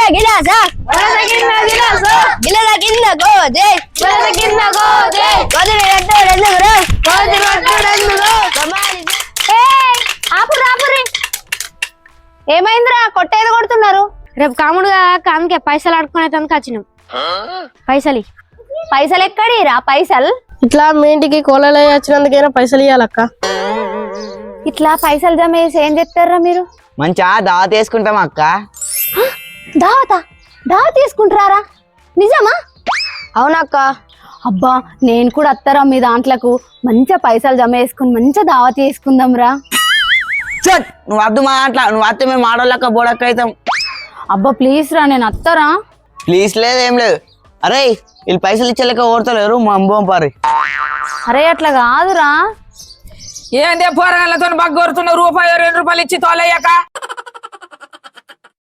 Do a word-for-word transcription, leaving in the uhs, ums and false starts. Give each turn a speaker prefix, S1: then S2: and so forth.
S1: గిలాస
S2: వలస కింద గిలాసు
S1: గిలస కింద గోదే
S2: వలస కింద గోదే
S1: గోధుమ రొట్టెలు ఎందుకురా
S2: గోధుమ రొట్టెలు ఎందుకు
S3: ఆపుర్రి ఆపుర్రి ఏమైందిరా కొట్టేది కొడుతున్నారు
S1: రేపు కాముడుగా కాముకే పైసలు ఆడుకునే తనకు వచ్చినాం పైసలు
S3: పైసలు ఎక్కడిరా పైసలు
S2: ఇట్లా మీ ఇంటికి కోళ్ళ వచ్చినందుకైనా పైసలు ఇవ్వాలక్క
S3: ఇట్లా పైసలు జమ చేసి ఏం చెప్తారా మీరు
S4: మంచిగా దావత్ వేసుకుంటాం అక్క.
S3: దావతా దావా తీసుకుంటారా నిజమా
S1: అవునక్క
S3: అబ్బా నేను కూడా అత్తరా మీ దాంట్లకు మంచిగా పైసలు జమ చేసుకుని మంచిగా దావా తీసుకుందాం రా
S4: చట్ నువ్వు వద్దు మాట్లా నువ్వు వస్తే మేము ఆడోళ్ళక్క బోడక్క అవుతాం.
S3: అబ్బా ప్లీజ్ రా నేను అత్తరా
S4: ప్లీజ్ లేదు ఏం లేదు. అరే వీళ్ళు పైసలు ఇచ్చేలేక ఓడతలేరు మా అంబం పారి.
S3: అరే అట్లా కాదురా
S5: ఏందే పోరగాళ్ళతో బగ్గొరుతున్న రూపాయి రెండు రూపాయలు ఇచ్చి తోలయ్యాక